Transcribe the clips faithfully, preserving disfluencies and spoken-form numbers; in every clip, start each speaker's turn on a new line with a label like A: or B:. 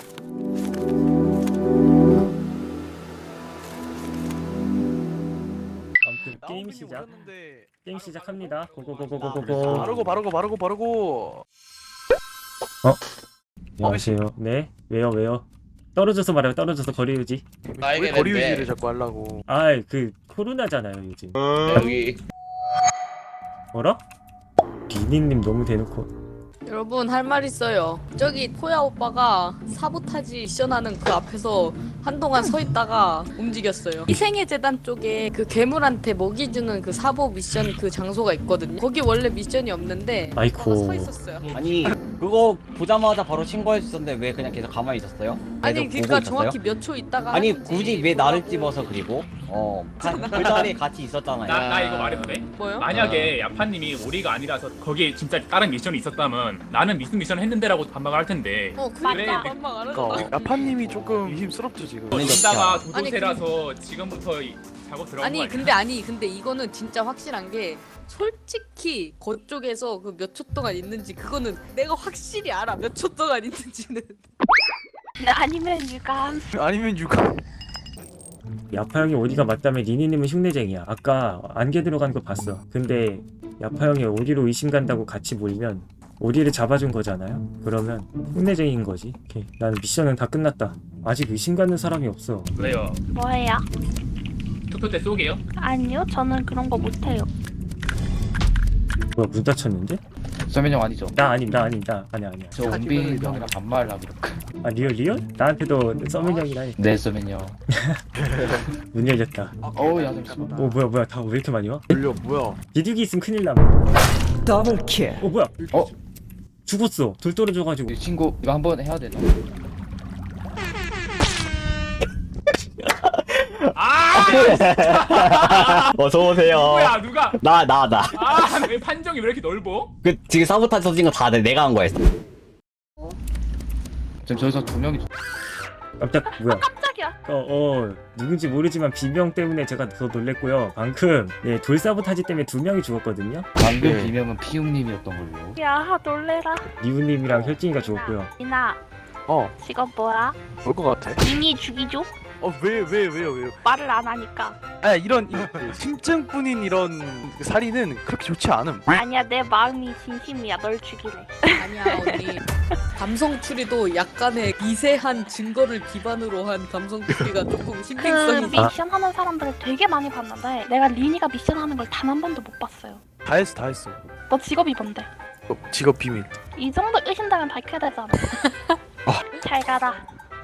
A: 아무튼 게임 시작. 게임 시작합니다. 고고고고고고.
B: 바르고 바르고 바르고 바르고.
A: 어? 안녕하세요. 네? 왜요 왜요? 떨어져서 말해요. 떨어져서 거리 유지.
B: 왜 거리 유지를 자꾸 하려고?
A: 아이 그 코로나잖아요 요즘.
C: 여기
A: 뭐라? 비니님 너무 대놓고.
D: 여러분 할 말 있어요. 저기 포야 오빠가 사보타지 미션하는 그 앞에서 한동안 서 있다가 움직였어요. 희생의 재단 쪽에 그 괴물한테 먹이 주는 그 사보 미션 그 장소가 있거든요. 거기 원래 미션이 없는데
A: 아이고.
D: 오빠가 서 있었어요.
E: 아니 그거 보자마자 바로 신고할 수 있었는데 왜 그냥 계속 가만히 있었어요?
D: 아니
E: 계속
D: 그러니까
E: 보고
D: 정확히
E: 있었어요?
D: 몇 초 있다가
E: 아니
D: 하는지
E: 굳이 왜 나를
D: 보라고.
E: 집어서 그리고 어 그 자리에 같이 있었잖아요.
F: 나, 나 이거 말해도 돼?
D: 뭐요?
F: 만약에 야파님이 우리가 아니라서 거기에 진짜 다른 미션이 있었다면 나는 무슨 미션 했는데라고 반박을 할 텐데
D: 어
F: 그래,
D: 그러니까 반박 안 하잖아.
B: 그러니까 야파님이 조금 의심스럽죠 지금.
F: 이따가
D: 아니,
F: 도도새라서 지금부터 이- 작업 들어간 거
D: 아니
F: 아니야?
D: 근데 아니 근데 이거는 진짜 확실한 게 솔직히 그쪽에서 그 몇 초 동안 있는지 그거는 내가 확실히 알아. 몇 초 동안 있는지는.
G: 아니면 유감.
B: 아니면 육아.
A: 야파 형이 어디가 맞다며 니니님은 흉내쟁이야. 아까 안개 들어간 거 봤어. 근데 야파 형이 어디로 의심 간다고 같이 몰면 오리를 잡아준 거잖아요. 그러면 흉내쟁이인 거지. 오케이. 난 미션은 다 끝났다. 아직 의심 가는 사람이 없어.
F: 왜요?
G: 뭐예요?
F: 투표 때 쏘게요?
G: 아니요, 저는 그런 거 못해요.
A: 뭐야 문 닫혔는데?
H: 서민형 아니죠?
A: 나 아님 나 아님 나 아니야 아니야.
H: 저 은빈 형이랑 반말하기로.
A: 아 리얼 리얼? 나한테도 서민 형이라니.
H: 네 서민형.
A: 문 열렸다.
H: 어우 야 잠시만.
A: 어 뭐야 뭐야 다 왜 이렇게 많이 와?
B: 돌려 뭐야?
A: 비둘기 있으면 큰일 남. 더블킬. 어 뭐야?
H: 어?
A: 죽었어. 돌 떨어져가지고.
H: 이 친구 이거 한번 해야 되나?
F: 아!
E: 어서 오세요.
F: 뭐야 누가?
E: 나 나 나.
F: 아, 왜 판정이 왜 이렇게 넓어?
E: 그 지금 사보타지 터진 거 다 내가 한 거야.
H: 지금 저기서 두 명이.
A: 깜짝 뭐야?
G: 깜짝이야.
A: 어, 어, 누군지 모르지만 비명 때문에 제가 더 놀랬고요. 방금 예, 돌사보타지 때문에 두 명이 죽었거든요.
H: 방금
B: 네.
H: 비명은 피웅님이었던 걸로.
G: 야, 놀래라.
A: 리우님이랑 혈진이가 죽었고요.
G: 이나,
B: 어,
G: 직업 뭐야?
B: 뭘 것 같아?
G: 이미 죽이죠?
B: 어, 왜, 왜, 왜요, 왜요?
G: 말을 안 하니까.
B: 아, 이런 이, 심증뿐인 이런 살인은 그렇게 좋지 않음.
G: 아니야, 내 마음이 진심이야. 널 죽이래.
D: 아니야 언니. 감성 추리도 약간의 미세한 증거를 기반으로 한 감성 추리가 조금
G: 그
D: 신빙성이.
G: 미션 하는 사람들을 되게 많이 봤는데 내가 리니가 미션 하는 걸 단 한 번도 못 봤어요.
B: 다 했어, 다 했어.
G: 너 직업이 뭔데?
B: 어, 직업 비밀.
G: 이 정도 의심되면 밝혀야 되잖아. 잘 가라.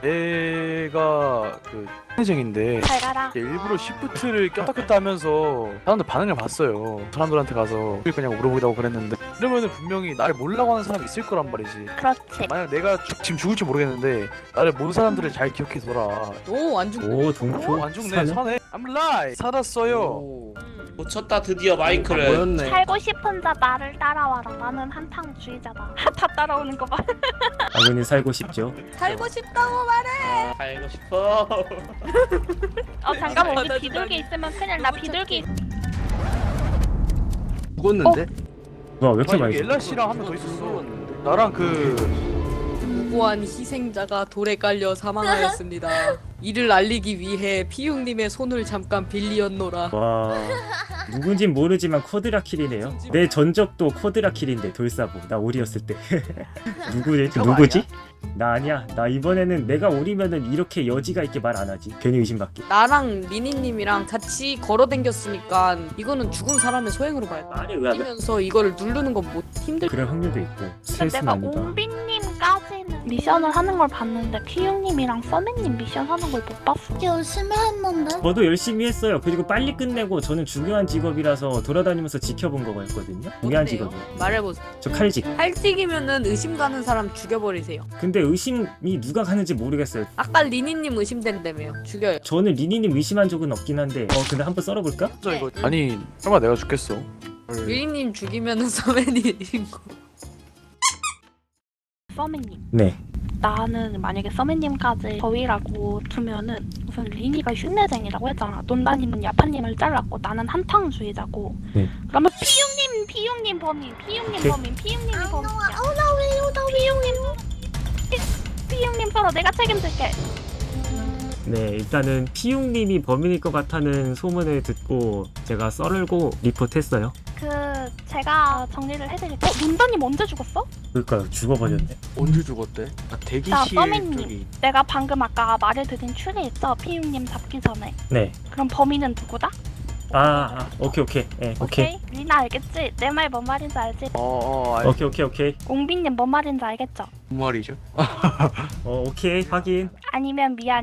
B: 얘가 그 흉내쟁인데
G: 잘 가라.
B: 일부러 시프트를 꼈다 꼈다 하면서 사람들 반응을 봤어요. 사람들한테 가서 그냥 물어보기도 하고 그랬는데 이러면은 분명히 나를 모르려고 하는 사람이 있을 거란 말이지.
G: 그렇지.
B: 만약 내가 죽- 지금 죽을지 모르겠는데 나를 모르는 사람들을 잘 기억해둬라.
D: 오안 죽고.
A: 오, 동표?
B: 어, 안 죽네.
A: 사네?
B: 사네. I'm alive. 살았어요.
C: 오. 고쳤다 드디어 마이크를.
G: 살고 싶은 자 나를 따라와라. 나는 한탕주의자다. 다 따라오는 거 봐.
A: 당연히 살고 싶죠.
D: 살고 싶다고 말해.
C: 살고 싶어.
G: 어 잠깐만
D: 맞아,
G: 우리 비둘기 있으면 큰일 나.
D: 누구
G: 비둘기.
B: 죽었는데?
A: 뭐야 왜 이렇게
B: 아니,
A: 많이
B: 여기
A: 죽어?
B: 엘라 씨랑 한 명 더 있었어. 나랑 그
D: 무고한 희생자가 돌에 깔려 사망하였습니다. 이를 알리기 위해 피웅님의 손을 잠깐 빌리었노라.
A: 와 누군진 모르지만 코드라킬이네요. 내 전적도 코드라킬인데 돌사보 나 오리였을 때. 누구지?
B: 저거
A: 누구지? 나 아니야. 나 이번에는 내가 오리면은 이렇게 여지가 있게 말 안 하지. 괜히 의심받게.
D: 나랑 리니님이랑 같이 걸어댕겼으니까 이거는 죽은 사람의 소행으로 봐야 돼.
A: 말이 왜 안 돼?
D: 이면서 이거를 누르는 건 못 힘들.
A: 그럴 확률도 있고.
G: 근데
A: 셋은
G: 내가
A: 아니다.
G: 옹빈님까지는 미션을 하는 걸 봤는데 피용님이랑 써맨님 미션 하는 걸 못 봤어.
I: 열심히 했는데.
A: 저도 열심히 했어요. 그리고 빨리 끝내고 저는 중요한 직업이라서 돌아다니면서 지켜본 거였거든요. 중요한 직업이에요.
D: 말해보세요.
A: 저 칼직.
D: 칼찍이면은 의심 가는 사람 죽여버리세요.
A: 근데 의심이 누가 가는지 모르겠어요.
D: 아까 리니님 의심된다며요. 죽여요.
A: 저는 리니님 의심한 적은 없긴 한데 어 근데 한번 썰어볼까?
B: 저 이거 아니 설마 내가 죽겠어?
D: 리니님 죽이면은 서맨이 신고.
G: 써맨님.
A: 네.
G: 나는 만약에 써맨님까지 저위라고 두면은 우선 리니가 흉내쟁이라고 했잖아. 논다님은 야파님을 잘랐고 나는 한탕주의자고.
A: 네.
G: 그러면 피용님, 피용님 범인, 피용님
A: 오케이.
G: 범인, 피용님이 범인이야.
I: 아우 나 왜요 나 왜요?
G: 피용님, 피, 피용님 썰어. 내가 책임질게.
A: 네, 일단은 피웅님이 범인일 것 같다는 소문을 듣고 제가 썰고 리포트했어요.
G: 그 제가 정리를 해드릴게요. 어, 논다님 언제 죽었어?
A: 그러니까 죽어버렸네.
B: 언제 죽었대? 아,
G: 자,
B: 대기실
G: 서민님.
B: 쪽이.
G: 내가 방금 아까 말을 드린 추리 있죠? 피용님 잡기 전에.
A: 네.
G: 그럼 범인은 누구다?
A: 아, 아 오케이 오케이. 네, 오케이.
G: 리나 알겠지? 내 말 뭔 말인지 알지?
B: 어어 알
A: 오케이 오케이 오케이.
G: 옹빈님 뭔 말인지 알겠죠?
B: 무슨 말이죠?
A: 어 오케이 확인.
G: 아니면 미안.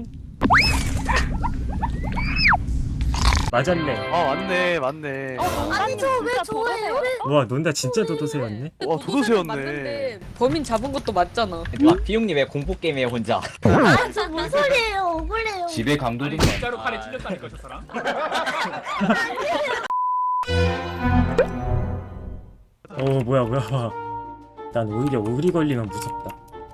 A: 맞았네.
B: 아 맞네 맞네.
G: 어, 아니죠. 왜 저예요?
A: 와 논다 진짜 도도새였네.
B: 와, 도도새였네.
D: 맞는데 범인 잡은 것도 맞잖아.
E: 와 비용님 왜 공포 게임해요 혼자?
G: 아저 무슨 소리예요? 억울해요.
H: 집에
F: 아니
H: 강도든
F: 진짜로 칼에 찔렸다니까 저 사람.
A: 어 뭐야 뭐야. 난 오히려 오리 걸리면 무섭다.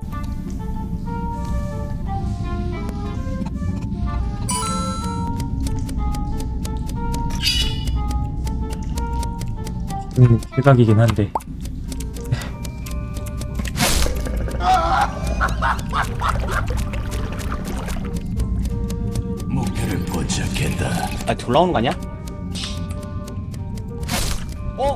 A: 음, 대박이긴 한데.
E: 아 돌아오는 거 아니야? 어?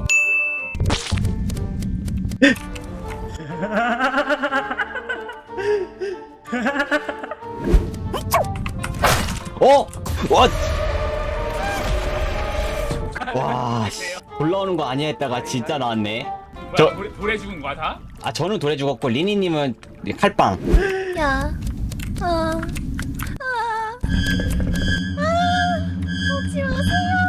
E: 어? 와! 와, 씨. 올라오는 거 아니야 했다가 진짜 나왔네.
F: 뭐야
E: 저-
F: 돌에, 돌에 죽은 거야 다?
E: 아 저는 돌에 죽었고 리니님은 칼빵.
G: 야. 아. 아. 아. 오지 마세요.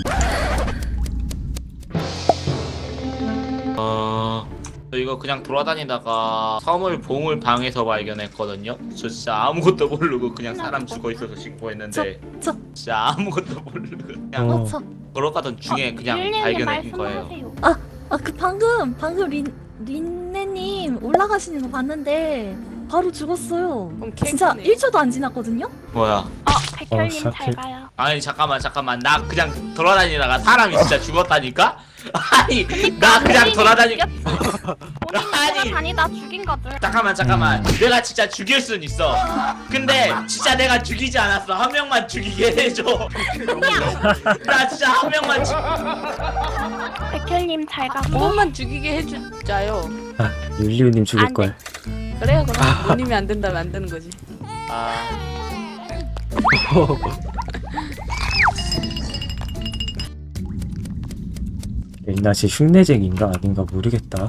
C: 어... 저 이거 그냥 돌아다니다가 섬을 봉을 방에서 발견했거든요. 저 진짜 아무것도 모르고 그냥 사람 죽어 있어서 신고했는데
G: 저-
C: 진짜 아무것도 모르고 그냥
A: 어.
G: 저.
C: 걸어가던 중에 그냥
G: 릴리님
C: 발견한 거예요.
G: 말씀하세요.
I: 아, 그 방금 방금 린 린네님 올라가시는 거 봤는데 바로 죽었어요.
D: 그럼
I: 진짜
D: 캐릭터네.
I: 일 초도 안 지났거든요?
C: 뭐야?
G: 어, 백혈님
A: 어,
G: 잘
A: 샤킬.
G: 가요.
C: 아니 잠깐만 잠깐만 나 그냥 돌아다니다가 사람이 진짜 죽었다니까? 아니 나 그냥 돌아다니
G: 본인
C: 아니.
G: 돌아다니다 죽인 거지.
C: 잠깐만 잠깐만 내가 진짜 죽일 순 있어. 근데 진짜 내가 죽이지 않았어. 한 명만 죽이게 해줘. 나 진짜 한 명만 죽
G: 백혈님 잘
D: 한
G: 가고.
D: 번만 죽이게 해주자요.
A: 아 율리우님 죽을 걸.
D: 그래요 그럼 본인이 안 된다면 안 되는 거지.
C: 아...
A: 옛날에 흉내쟁인가 아닌가 모르겠다.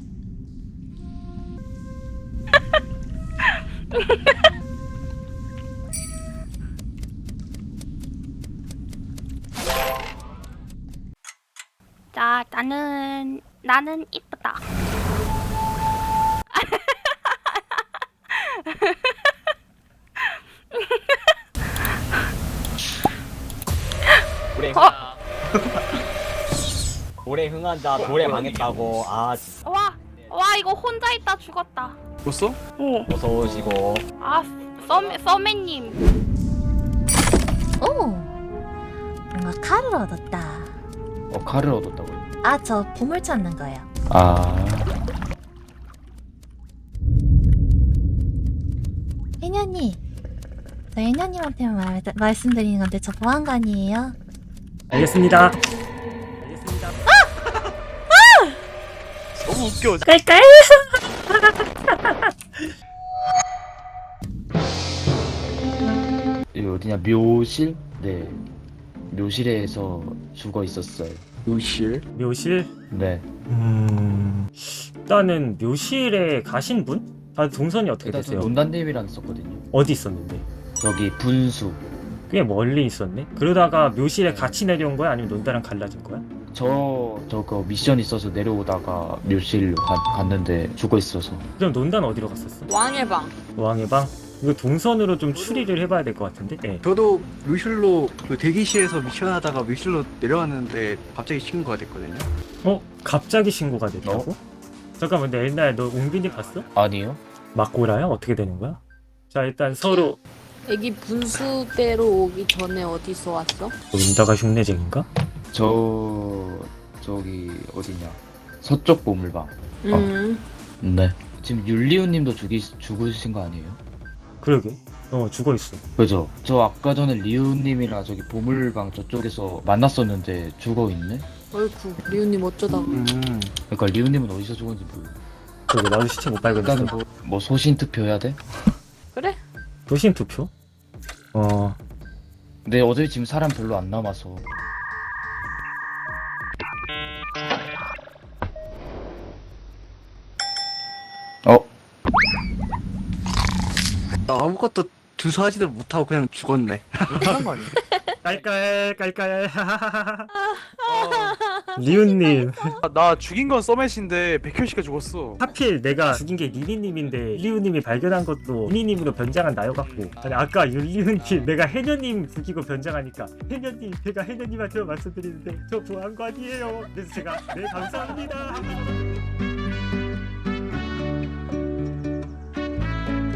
G: 자, 나는 나는 이쁘다.
E: 돌에
G: 어?
E: 돌에 흥한다. 돌에 망했다고. 아 진짜.
G: 와, 와 이거 혼자 있다 죽었다.
B: 죽었어?
G: 어.
E: 어서 오시고.
G: 아, 썸 썸매님.
I: 오, 뭔가 칼을 얻었다.
H: 어 칼을 얻었다고요?
I: 아, 저 보물 찾는 거예요.
H: 아
I: 해녀님, 저 해녀님한테만 말, 말씀드리는 건데 저 보안관이에요.
A: 알겠습니다. 알겠습니다.
B: 너무 웃겨.
I: 깔깔.
H: 여기 어디냐 묘실? 네 묘실에서 죽어 있었어요.
B: 묘실.
A: 묘실?
H: 네
A: 음... 일단은 묘실에 가신 분? 다 동선이 어떻게
H: 일단 저
A: 되세요?
H: 논단님이랑 있었거든요.
A: 어디 있었는데?
H: 저기 분수.
A: 꽤 멀리 있었네? 그러다가 묘실에 같이 내려온 거야? 아니면 논다랑 갈라진 거야?
H: 저 저거 미션 있어서 내려오다가 묘실 가, 갔는데 죽어 있어서.
A: 그럼 논다는 어디로 갔었어?
D: 왕의 방.
A: 왕의 방? 이거 동선으로 좀 추리를 해봐야 될 것 같은데? 네.
B: 저도 묘실로 그 대기실에서 미션하다가 묘실로 내려왔는데 갑자기 신고가 됐거든요.
A: 어? 갑자기 신고가 됐다고? 잠깐만 근데 엘나야 너 웅빈이 봤어?
H: 아니요.
A: 막고라야? 어떻게 되는 거야? 자 일단 서로
D: 애기 분수대로 오기 전에 어디서 왔어?
A: 논다가 흉내쟁인가?
H: 저 저기 어디냐 서쪽 보물방.
D: 음.
H: 네. 지금 율리우님도 죽이 죽으신 거 아니에요?
A: 그러게. 어 죽어있어.
H: 그죠? 저 아까 전에 리우님이랑 저기 보물방 저쪽에서 만났었는데 죽어있네?
D: 어이쿠 리우님 어쩌다.
A: 음.
H: 그러니까 리우님은 어디서 죽었는지 모르
A: 그러게 나도 시체 못 발견했어.
H: 일단은 뭐, 뭐 소신 투표해야 돼?
D: 그래?
A: 도신 투표? 어
H: 근데 어차피 지금 사람 별로 안 남아서 어?
J: 아무것도 주소하지도 못하고 그냥 죽었네.
B: 그런 거 아니야?
A: 깔깔 깔깔. 리우님
B: 아, 나 죽인 건 서맷인데 백혈씨가 죽었어.
A: 하필 내가 죽인 게 리니님인데 율리우님이 발견한 것도 리니님으로 변장한 나여갖고 아니 아까 율리우님 내가 해녀님 죽이고 변장하니까 해녀님 제가 해녀님한테 말씀드리는데 저 보안관이에요. 그래서 제가 네 감사합니다.